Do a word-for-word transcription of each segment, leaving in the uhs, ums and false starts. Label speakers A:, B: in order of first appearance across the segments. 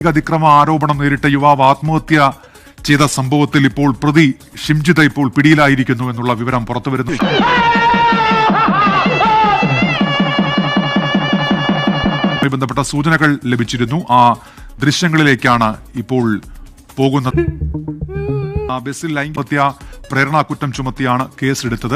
A: അതിക്രമ ആരോപണം നേരിട്ട യുവാവ് ആത്മഹത്യ ചെയ്ത സംഭവത്തിൽ ഇപ്പോൾ പ്രതി ഷിംജിത ഇപ്പോൾ പിടിയിലായിരിക്കുന്നു എന്നുള്ള വിവരം പുറത്തുവരുന്നു. ബന്ധപ്പെട്ട സൂചനകൾ ലഭിച്ചിരുന്നു. ആ ദൃശ്യങ്ങളിലേക്കാണ് ഇപ്പോൾ പോകുന്നത്. ബസിൽ ലൈംഗിക പ്രേരണാകുറ്റം ചുമത്തിയാണ് കേസെടുത്തത്.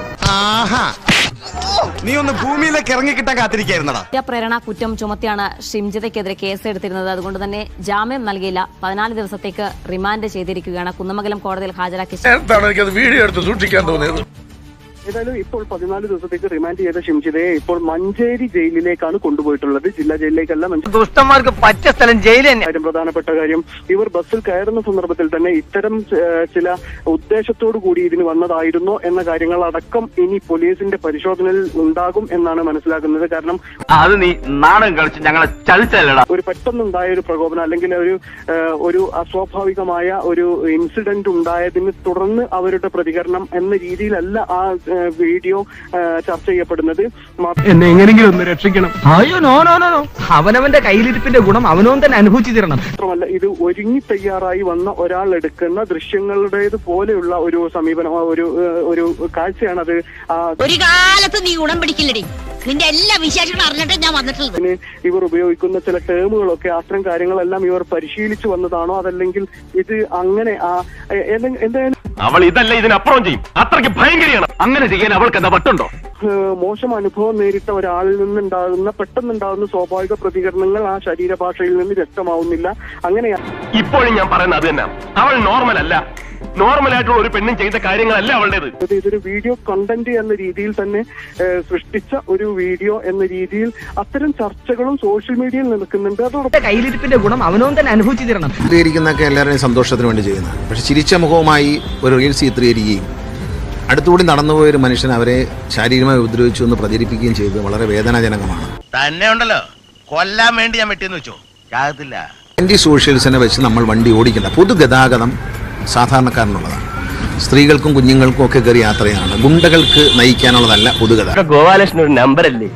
B: നീ ഒന്ന് ഭൂമിയിലേക്ക് ഇറങ്ങിക്കിട്ടാൻ കാത്തിരിക്കായിരുന്നടാ.
C: പ്രേരണ കുറ്റം ചുമത്തിയാണ് ഷിംജിതയ്ക്കെതിരെ കേസെടുത്തിരുന്നത്. അതുകൊണ്ട് തന്നെ ജാമ്യം നൽകിയില്ല. പതിനാല് ദിവസത്തേക്ക് റിമാൻഡ് ചെയ്തിരിക്കുകയാണ്. കുന്നമംഗലം കോടതിയിൽ ഹാജരാക്കി.
D: വീഡിയോ എടുത്ത് സൂക്ഷിക്കാൻ തോന്നിയത്.
E: ഏതായാലും ഇപ്പോൾ പതിനാല് ദിവസത്തേക്ക് റിമാൻഡ് ചെയ്ത ഷിംജിതയെ ഇപ്പോൾ മഞ്ചേരി ജയിലിലേക്കാണ് കൊണ്ടുപോയിട്ടുള്ളത്. ജില്ലാ ജയിലിലേക്കല്ല,
F: ദുഷ്ടന്മാർക്ക് പറ്റിയ സ്ഥലം ജയിൽ തന്നെ.
E: കാര്യം പ്രധാനപ്പെട്ട കാര്യം, ഇവർ ബസ്സിൽ കയറുന്ന സന്ദർഭത്തിൽ തന്നെ ഇത്തരം ചില ഉദ്ദേശത്തോടു കൂടി ഇതിന് വന്നതായിരുന്നോ എന്ന കാര്യങ്ങൾ അടക്കം ഇനി പോലീസിന്റെ പരിശോധനയിൽ ഉണ്ടാകും എന്നാണ് മനസ്സിലാക്കുന്നത്. കാരണം
F: അത് നീ നാടൻ കളിച്ച് ഞങ്ങളെ ചതിച്ചല്ലടാ.
E: ഒരു പെട്ടെന്നുണ്ടായ ഒരു പ്രകോപനം അല്ലെങ്കിൽ ഒരു ഒരു അസ്വാഭാവികമായ ഒരു ഇൻസിഡന്റ് ഉണ്ടായതിനെ തുടർന്ന് അവരുടെ പ്രതികരണം എന്ന രീതിയിലല്ല ആ വീഡിയോ ചർച്ച ചെയ്യപ്പെടുന്നത്.
F: എന്നെ എങ്ങനെയെങ്കിലും ഒന്ന് രക്ഷിക്കണം. അയ്യോ നോ നോ നോ അവനവന്റെ കയ്യിലിരിപ്പിന്റെ ഗുണം അവനവൻ തന്നെ അനുഭവിച്ചു തരണം.
E: മാത്രമല്ല, ഇത് ഒരുങ്ങി തയ്യാറായി വന്ന ഒരാൾ എടുക്കുന്ന ദൃശ്യങ്ങളുടേത് പോലെയുള്ള ഒരു സമീപനം, ഒരു ഒരു കാഴ്ചയാണ് അത്.
G: ഒരു കാലത്ത് നീ ഗുണം പിടിക്കില്ലടി. നിന്റെ എല്ലാ വിശേഷങ്ങളും അറിഞ്ഞിട്ട് ഞാൻ വന്നിട്ടുള്ളത്.
E: ഇവർ ഉപയോഗിക്കുന്ന ചില ടേമുകളൊക്കെ അത്തരം കാര്യങ്ങളെല്ലാം ഇവർ പരിശീലിച്ചു വന്നതാണോ, അതല്ലെങ്കിൽ ഇത് അങ്ങനെ എന്തായാലും
D: അവൾ ഇതല്ല ഇതിനപ്പുറം ചെയ്യും. അത്രയ്ക്ക് ഭയങ്കരയാണ്. അങ്ങനെ ചെയ്യാൻ അവൾക്ക് എന്താ പറ്റുണ്ടോ?
E: മോശം അനുഭവം നേരിട്ട ഒരാളിൽ നിന്നുണ്ടാകുന്ന പെട്ടെന്നുണ്ടാകുന്ന സ്വാഭാവിക പ്രതികരണങ്ങൾ ആ ശരീരഭാഷയിൽ നിന്ന് വ്യക്തമാവുന്നില്ല. അങ്ങനെയാണ്
D: ഇപ്പോഴും ഞാൻ പറയുന്നത്. അത് തന്നെ, അവൾ നോർമൽ അല്ല. നോർമൽ ആയിട്ടുള്ള ഒരു പെണ്ണും ചെയ്ത കാര്യങ്ങളല്ല അവളുടേത്.
E: ഇതൊരു വീഡിയോ കണ്ടന്റ് എന്ന രീതിയിൽ തന്നെ സൃഷ്ടിച്ച ഒരു വീഡിയോ എന്ന രീതിയിൽ അത്തരം ചർച്ചകളും സോഷ്യൽ മീഡിയയിൽ നിൽക്കുന്നുണ്ട്. അതോടൊപ്പം
F: കയ്യിലിരിപ്പിന്റെ ഗുണം അവനവൻ തന്നെ അനുഭവിച്ചു തരണം.
H: ചിത്രീകരിക്കുന്നതൊക്കെ എല്ലാവരുടെയും സന്തോഷത്തിന് വേണ്ടി ചെയ്യുന്നത്. പക്ഷെ ചിരിച്ച മുഖവുമായി ഒരു റീൽസ് ചിത്രീകരിക്കുകയും അടുത്തുകൂടി നടന്നുപോയൊരു മനുഷ്യൻ അവരെ ശാരീരികമായി ഉപദ്രവിച്ചു എന്ന് പ്രചരിപ്പിക്കുകയും ചെയ്തത് വളരെ വേദനാജനകമാണ്.
B: തന്നെ ഉണ്ടല്ലോ കൊല്ലാൻ വേണ്ടി ഞാൻ വെട്ടിയെന്ന് വെച്ചോ ആകത്തില്ല.
H: ആന്റി സോഷ്യൽസിനെ വെച്ച് നമ്മൾ വണ്ടി ഓടിക്കണ്ട. പൊതുഗതാഗതം സാധാരണക്കാരനുള്ളതാണ്. സ്ത്രീകൾക്കും കുഞ്ഞുങ്ങൾക്കും ഒക്കെ കയറി യാത്രയാണ്. ഗുണ്ടകൾക്ക് നയിക്കാനുള്ളതല്ല പൊതുഗതാഗതം.
F: ഗോപാലകൃഷ്ണൻ ഒരു നമ്പർ അല്ലേ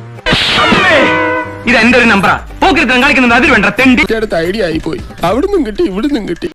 F: ഇത്? എന്റെ ഒരു നമ്പറാ. പോക്കിരുത്തം കാണിക്കുന്നത് അതിൽ വേണ്ട തെണ്ടി.
D: ഐഡിയ ആയി പോയി. അവിടുന്നും കിട്ടി ഇവിടുന്നും കിട്ടി.